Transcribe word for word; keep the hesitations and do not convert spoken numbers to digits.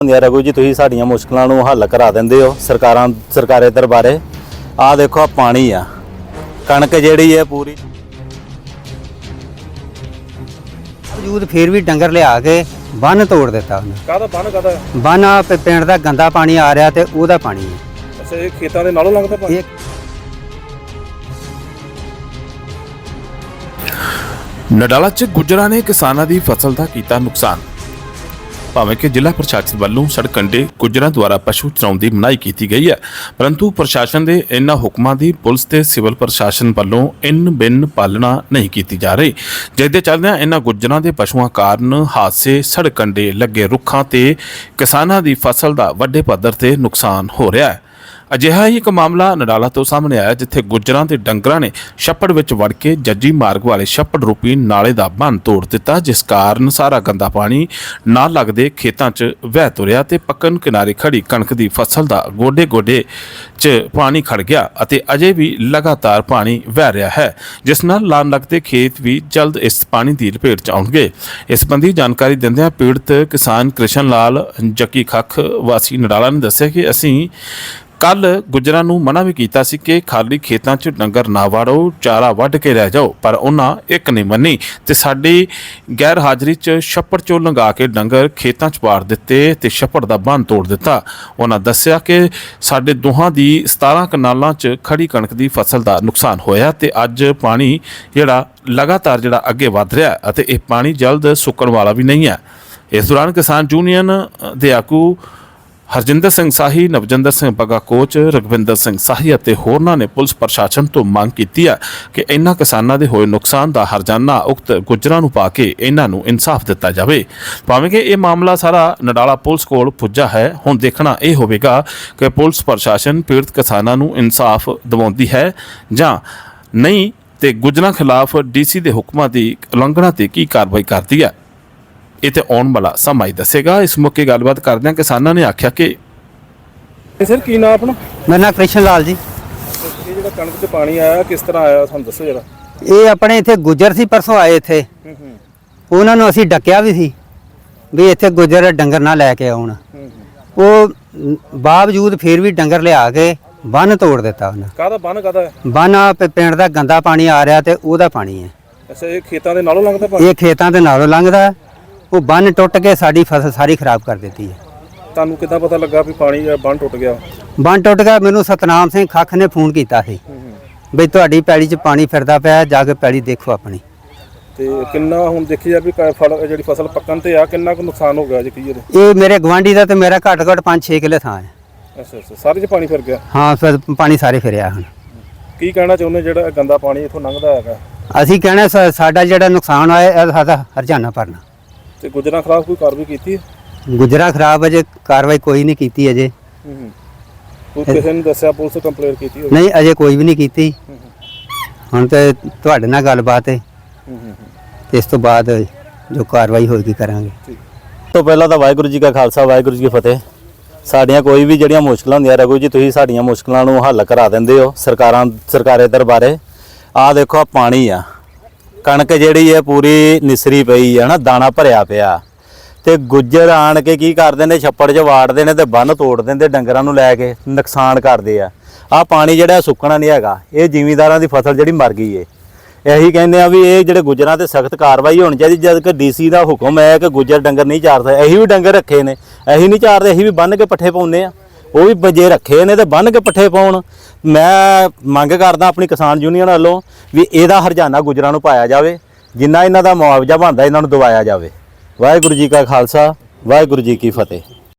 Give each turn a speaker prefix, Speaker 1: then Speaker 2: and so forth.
Speaker 1: रघु जी तुसीं साडीआं मुश्किलां नूं हल करा दिंदे हो सरकारां सरकारे दरबारे। आ देखो आ पानी आ कणक जिहड़ी है पूरी
Speaker 2: वजूद फिर भी डंगर लिया के बन तोड़ दिता उन्हें।
Speaker 3: ਕਾਹਦਾ ਬੰਨ ਕਾਹਦਾ
Speaker 2: बन आ प- पिंड दा गंदा पानी आ रहा ते ओहदा पानी है।
Speaker 3: ਅੱਛਾ ਇਹ ਖੇਤਾਂ ਦੇ ਨਾਲੋਂ ਲੰਘਦਾ ਪਾਣੀ।
Speaker 2: ये
Speaker 4: ਨਡਾਲਾ 'ਚ ਗੁੱਜਰਾਂ ਨੇ ਕਿਸਾਨਾਂ ਦੀ ਫਸਲ ਦਾ ਕੀਤਾ ਨੁਕਸਾਨ। ਭਾਵੇਂ ਕਿ ਜ਼ਿਲ੍ਹਾ ਪ੍ਰਸ਼ਾਸਨ ਵੱਲੋਂ ਸੜਕ ਕੰਢੇ ਗੁੱਜਰਾਂ ਦੁਆਰਾ ਪਸ਼ੂ ਚਰਾਉਣ ਦੀ ਮਨਾਹੀ ਕੀਤੀ ਗਈ ਹੈ, ਪਰੰਤੂ ਪ੍ਰਸ਼ਾਸਨ ਦੇ ਇਨ੍ਹਾਂ ਹੁਕਮਾਂ ਦੀ ਪੁਲਿਸ ਤੇ ਸਿਵਲ ਪ੍ਰਸ਼ਾਸਨ ਵੱਲੋਂ ਇਨ ਬਿਨ ਪਾਲਣਾ ਨਹੀਂ ਕੀਤੀ ਜਾ ਰਹੀ, ਜਿਸ ਦੇ ਚੱਲਦਿਆਂ ਇਨ੍ਹਾਂ ਗੁੱਜਰਾਂ ਦੇ ਪਸ਼ੂਆਂ ਕਾਰਨ ਹਾਦਸੇ, ਸੜਕ ਕੰਢੇ ਲੱਗੇ ਰੁੱਖਾਂ ਤੇ ਕਿਸਾਨਾਂ ਦੀ ਫਸਲ ਦਾ ਵੱਡੇ ਪੱਧਰ ਤੇ ਨੁਕਸਾਨ ਹੋ ਰਿਹਾ ਹੈ। ਅਜਿਹਾ ਹੀ ਇੱਕ ਮਾਮਲਾ ਨਡਾਲਾ ਤੋਂ ਸਾਹਮਣੇ ਆਇਆ, ਜਿੱਥੇ ਗੁੱਜਰਾਂ ਤੇ ਡੰਗਰਾਂ ਨੇ ਛੱਪੜ ਵਿੱਚ ਵੜ ਕੇ ਜੱਜੀ ਮਾਰਗ ਵਾਲੇ ਛੱਪੜ ਰੂਪੀ ਨਾਲੇ ਦਾ ਬੰਨ੍ਹ ਤੋੜ ਦਿੱਤਾ, ਜਿਸ ਕਾਰਨ ਸਾਰਾ ਗੰਦਾ ਪਾਣੀ ਨਾਲ ਲੱਗਦੇ ਖੇਤਾਂ 'ਚ ਵਹਿ ਤੁਰਿਆ ਤੇ ਪੱਕਣ ਕਿਨਾਰੇ ਖੜੀ ਕਣਕ ਦੀ ਫਸਲ ਦਾ ਗੋਡੇ ਗੋਡੇ 'ਚ ਪਾਣੀ ਖੜ ਗਿਆ ਅਤੇ ਅਜੇ ਵੀ ਲਗਾਤਾਰ ਪਾਣੀ ਵਹਿ ਰਿਹਾ ਹੈ, ਜਿਸ ਨਾਲ ਲਾਣ ਲੱਗਦੇ ਖੇਤ ਵੀ ਜਲਦ ਇਸ ਪਾਣੀ ਦੀ ਲਪੇਟ 'ਚ ਆਉਣਗੇ। ਇਸ ਸੰਬੰਧੀ ਜਾਣਕਾਰੀ ਦਿੰਦਿਆਂ ਪੀੜਤ ਕਿਸਾਨ ਕ੍ਰਿਸ਼ਨ ਲਾਲ ਜੱਕੀ ਖੱਖ ਵਾਸੀ ਨਡਾਲਾ ਨੇ ਦੱਸਿਆ ਕਿ ਅਸੀਂ ਕੱਲ ਗੁੱਜਰਾਂ ਨੂੰ ਮਨਾ ਵੀ ਕੀਤਾ ਸੀ ਕਿ ਖਾਲੀ ਖੇਤਾਂ 'ਚ ਡੰਗਰ ਨਾ ਵਾੜੋ, ਚਾਰਾ ਵੱਢ ਕੇ ਲੈ ਜਾਓ, ਪਰ ਉਹਨਾਂ ਇੱਕ ਨਹੀਂ ਮੰਨੀ ਤੇ ਸਾਡੀ ਗੈਰ ਹਾਜ਼ਰੀ 'ਚ ਛੱਪੜ 'ਚੋਂ ਲੰਘਾ ਕੇ ਡੰਗਰ ਖੇਤਾਂ 'ਚ ਵਾੜ ਦਿੱਤੇ ਤੇ ਛੱਪੜ ਦਾ ਬੰਨ੍ਹ ਤੋੜ ਦਿੱਤਾ। ਉਹਨਾਂ ਦੱਸਿਆ ਕਿ ਸਾਡੇ ਦੋਹਾਂ ਦੀ ਸਤਾਰਾਂ ਕਨਾਲਾਂ 'ਚ ਖੜੀ ਕਣਕ ਦੀ ਫਸਲ ਦਾ ਨੁਕਸਾਨ ਹੋਇਆ ਤੇ ਅੱਜ ਪਾਣੀ ਜਿਹੜਾ ਲਗਾਤਾਰ ਜਿਹੜਾ ਅੱਗੇ ਵੱਧ ਰਿਹਾ ਅਤੇ ਇਹ ਪਾਣੀ ਜਲਦ ਸੁੱਕਣ ਵਾਲਾ ਵੀ ਨਹੀਂ ਹੈ। ਇਸ ਦੌਰਾਨ ਕਿਸਾਨ ਯੂਨੀਅਨ ਦੇ ਆਗੂ ਹਰਜਿੰਦਰ ਸਿੰਘ ਸਾਹੀ, ਨਵਜਿੰਦਰ ਸਿੰਘ ਬੱਗਾ ਕੋਚ, ਰਗਵਿੰਦਰ ਸਿੰਘ ਸਾਹੀ ਅਤੇ ਹੋਰਨਾਂ ਨੇ ਪੁਲਿਸ ਪ੍ਰਸ਼ਾਸਨ ਤੋਂ ਮੰਗ ਕੀਤੀ ਹੈ ਕਿ ਇਨ੍ਹਾਂ ਕਿਸਾਨਾਂ ਦੇ ਹੋਏ ਨੁਕਸਾਨ ਦਾ ਹਰਜਾਨਾ ਉਕਤ ਗੁੱਜਰਾਂ ਨੂੰ ਪਾ ਕੇ ਇਹਨਾਂ ਨੂੰ ਇਨਸਾਫ ਦਿੱਤਾ ਜਾਵੇ। ਭਾਵੇਂ ਕਿ ਇਹ ਮਾਮਲਾ ਸਾਰਾ ਨਡਾਲਾ ਪੁਲਿਸ ਕੋਲ ਪੁੱਜਾ ਹੈ, ਹੁਣ ਦੇਖਣਾ ਇਹ ਹੋਵੇਗਾ ਕਿ ਪੁਲਿਸ ਪ੍ਰਸ਼ਾਸਨ ਪੀੜਤ ਕਿਸਾਨਾਂ ਨੂੰ ਇਨਸਾਫ ਦਿਵਾਉਂਦੀ ਹੈ ਜਾਂ ਨਹੀਂ ਤੇ ਗੁੱਜਰਾਂ ਖਿਲਾਫ ਡੀਸੀ ਦੇ ਹੁਕਮਾਂ ਦੀ ਉਲੰਘਣਾ ਤੇ ਕੀ ਕਾਰਵਾਈ ਕਰਦੀ ਹੈ। ਇਹ ਤੇ ਆਉਣ ਵਾਲਾ ਸਮਾਂ ਹੀ ਦੱਸੇਗਾ। ਇਸ ਮੌਕੇ ਗੱਲਬਾਤ ਕਰਦਿਆਂ ਕਿਸਾਨਾਂ ਨੇ ਆਖਿਆ ਕਿ
Speaker 3: ਸਰ ਕੀ ਨਾਮ ਆਪਣਾ?
Speaker 2: मेरा नाम कृष्ण लाल जी।
Speaker 3: ਇਹ ਜਿਹੜਾ ਕਣਕ 'ਚ ਪਾਣੀ ਆਇਆ ਕਿਸ ਤਰ੍ਹਾਂ ਆਇਆ ਸਾਨੂੰ ਦੱਸੋ ਜਰਾ।
Speaker 2: ਇਹ ਆਪਣੇ ਇੱਥੇ ਗੁੱਜਰ ਸੀ, ਪਰਸੋਂ ਆਏ ਇੱਥੇ,
Speaker 3: ਹੂੰ ਹੂੰ
Speaker 2: ਉਹਨਾਂ ਨੂੰ ਅਸੀਂ ਡੱਕਿਆ ਵੀ ਸੀ ਵੀ ਇੱਥੇ ਗੁੱਜਰ ਡੰਗਰ ਨਾ ਲੈ ਕੇ ਆਉਣ। ਉਹ ਬਾਵਜੂਦ ਫਿਰ ਵੀ ਡੰਗਰ ਲਿਆ ਕੇ ਬੰਨ ਤੋੜ ਦਿੱਤਾ ਉਹਨਾਂ।
Speaker 3: ਕਾਹਦਾ ਬੰਨ ਕਾਹਦਾ ਹੈ?
Speaker 2: ਬੰਨ ਆ ਪ- ਪਿੰਡ ਦਾ ਗੰਦਾ ਪਾਣੀ ਆ ਰਿਹਾ ਤੇ ਉਹਦਾ ਪਾਣੀ ਹੈ।
Speaker 3: ਅੱਛਾ ਇਹ ਖੇਤਾਂ ਦੇ ਨਾਲੋਂ ਲੰਘਦਾ ਪਾਣੀ।
Speaker 2: ਇਹ ਖੇਤਾਂ ਦੇ ਨਾਲੋਂ ਲੰਘਦਾ, ਉਹ ਬੰਨ ਟੁੱਟ ਕੇ ਸਾਡੀ ਫਸਲ ਸਾਰੀ ਖਰਾਬ ਕਰ ਦਿੱਤੀ ਹੈ।
Speaker 3: ਤੁਹਾਨੂੰ ਕਿੱਦਾਂ ਪਤਾ ਲੱਗਾ ਵੀ ਪਾਣੀ ਦਾ ਬੰਨ ਟੁੱਟ ਗਿਆ?
Speaker 2: ਬੰਨ ਟੁੱਟ ਗਿਆ, ਮੈਨੂੰ ਸਤਨਾਮ ਸਿੰਘ ਖੱਖ ਨੇ ਫੋਨ ਕੀਤਾ ਸੀ ਬਈ ਤੁਹਾਡੀ ਪੈਲੀ 'ਚ ਪਾਣੀ ਫਿਰਦਾ ਪਿਆ, ਜਾ ਕੇ ਪੈਲੀ ਦੇਖੋ ਆਪਣੀ।
Speaker 3: ਤੇ ਕਿੰਨਾ ਹੁਣ ਦੇਖੀ ਜਾ ਵੀ ਕ- ਫਲ ਜਿਹੜੀ ਫਸਲ ਪੱਕਣ ਤੇ ਆ ਕਿੰਨਾ ਕੁ ਨੁਕਸਾਨ ਹੋ ਗਿਆ ਜੀ ਕੀ ਇਹਦੇ?
Speaker 2: ਇਹ ਮੇਰੇ ਗਵਾਂਢੀ ਦਾ ਤੇ ਮੇਰਾ ਘੱਟ ਘੱਟ ਪੰਜ ਛੇ ਕਿੱਲੇ ਥਾਂ ਹੈ।
Speaker 3: ਅੱਛਾ ਅੱਛਾ ਸਾਰੇ 'ਚ ਪਾਣੀ ਫਿਰ ਗਿਆ।
Speaker 2: ਹਾਂ, ਫਿਰ ਪਾਣੀ ਸਾਰੇ ਫਿਰਿਆ ਹੁਣ।
Speaker 3: ਕੀ ਕਹਿਣਾ ਚਾਹੁੰਦੇ ਜਿਹੜਾ ਇਹ ਗੰਦਾ ਪਾਣੀ ਇੱਥੋਂ ਲੰਘਦਾ ਹੈਗਾ
Speaker 2: ਅਸੀਂ ਕਹਿਣਾ ਸਾ- ਸਾਡਾ ਜਿਹੜਾ ਨੁਕਸਾਨ ਹੋਇਆ ਇਹ ਸਾਡਾ ਹਰਜਾਨਾ ਭਰਨਾ।
Speaker 3: ਤੇ ਗੁੱਜਰਾਂ ਖਿਲਾਫ ਕੋਈ ਕਾਰਵਾਈ ਕੀਤੀ ਹੈ?
Speaker 2: ਗੁਜਰਾ ਖਰਾਬ ਅਜੇ ਕਾਰਵਾਈ ਕੋਈ ਨਹੀਂ ਕੀਤੀ ਅਜੇ।
Speaker 3: ਹੂੰ ਹੂੰ ਕੋਈ ਕਿਸੇ ਨੇ ਦੱਸਿਆ ਪੁਲਿਸ ਕੰਪਲੇਂਟ ਕੀਤੀ ਹੋਵੇ?
Speaker 2: ਨਹੀਂ, ਅਜੇ ਕੋਈ ਵੀ ਨਹੀਂ ਕੀਤੀ। ਹੁਣ ਤੇ ਤੁਹਾਡੇ ਨਾਲ ਗੱਲਬਾਤ ਹੈ,
Speaker 3: ਹੂੰ ਹੂੰ
Speaker 2: ਤੇ ਇਸ ਤੋਂ ਬਾਅਦ ਜੋ ਕਾਰਵਾਈ ਹੋਏਗੀ ਕਰਾਂਗੇ।
Speaker 1: ਤੋਂ ਪਹਿਲਾਂ ਤਾਂ ਵਾਹਿਗੁਰੂ ਜੀ ਕਾ ਖਾਲਸਾ ਵਾਹਿਗੁਰੂ ਜੀ ਕੀ ਫਤਿਹ। ਸਾਡੀਆਂ ਕੋਈ ਵੀ ਜਿਹੜੀਆਂ ਮੁਸ਼ਕਲਾਂ ਹੁੰਦੀਆਂ ਰਘੂ ਜੀ ਤੁसीं ਸਾਡੀਆਂ ਮੁਸ਼ਕਲਾਂ ਨੂੰ ਹੱਲ ਕਰਾ ਦਿੰਦੇ ਹੋ ਸਰਕਾਰਾਂ ਸਰਕਾਰੇ ਦਰਬਾਰੇ। ਆ ਦੇਖੋ ਆ ਪਾਣੀ ਆ ਕਣਕ ਜਿਹੜੀ ਹੈ ਪੂਰੀ ਨਿਸਰੀ ਪਈ ਹੈ ਨਾ, ਦਾਣਾ ਭਰਿਆ ਪਿਆ ਤੇ ਗੁੱਜਰ ਆਣ ਕੇ ਕੀ ਕਰਦੇ ਨੇ, ਛੱਪੜ 'ਚ ਵਾੜਦੇ ਨੇ ਤੇ ਬੰਨ ਤੋੜ ਦਿੰਦੇ, ਡੰਗਰਾਂ ਨੂੰ ਲੈ ਕੇ ਨੁਕਸਾਨ ਕਰਦੇ ਆ। ਆ ਪਾਣੀ ਜਿਹੜਾ ਸੁੱਕਣਾ ਨਹੀਂ ਹੈਗਾ, ਇਹ ਜ਼ਿਮੀਂਦਾਰਾਂ ਦੀ ਫਸਲ ਜਿਹੜੀ ਮਰ ਗਈ ਏ। ਇਹੀ ਕਹਿੰਦੇ ਆ ਵੀ ਇਹ ਜਿਹੜੇ ਗੁੱਜਰਾਂ ਤੇ ਸਖਤ ਕਾਰਵਾਈ ਹੋਣੀ ਚਾਹੀਦੀ, ਜਦ ਕਿ ਡੀਸੀ ਦਾ ਹੁਕਮ ਹੈ ਕਿ ਗੁੱਜਰ ਡੰਗਰ ਨਹੀਂ ਚਾਰ ਸਕਦੇ। ਅਸੀਂ ਵੀ ਡੰਗਰ ਰੱਖੇ ਨੇ, ਅਸੀਂ ਨਹੀਂ ਚਾਰਦੇ, ਅਸੀਂ ਵੀ ਬੰਨ ਕੇ ਪੱਠੇ ਪਾਉਂਦੇ ਆ। ਉਹ ਵੀ ਬਜੇ ਰੱਖੇ ਨੇ ਤੇ ਬੰਨ ਕੇ ਪੱਠੇ ਪਾਉਣ। ਮੈਂ ਮੰਗ ਕਰਦਾ ਆਪਣੀ ਕਿਸਾਨ ਯੂਨੀਅਨ ਵੱਲੋਂ ਵੀ ਇਹਦਾ ਹਰਜਾਨਾ ਗੁੱਜਰਾਂ ਨੂੰ ਪਾਇਆ ਜਾਵੇ, ਜਿੰਨਾ ਇਹਨਾਂ ਦਾ ਮੁਆਵਜ਼ਾ ਬਣਦਾ ਇਹਨਾਂ ਨੂੰ ਦਿਵਾਇਆ ਜਾਵੇ। ਵਾਹਿਗੁਰੂ ਜੀ ਕਾ ਖਾਲਸਾ ਵਾਹਿਗੁਰੂ ਜੀ ਕੀ ਫਤਿਹ।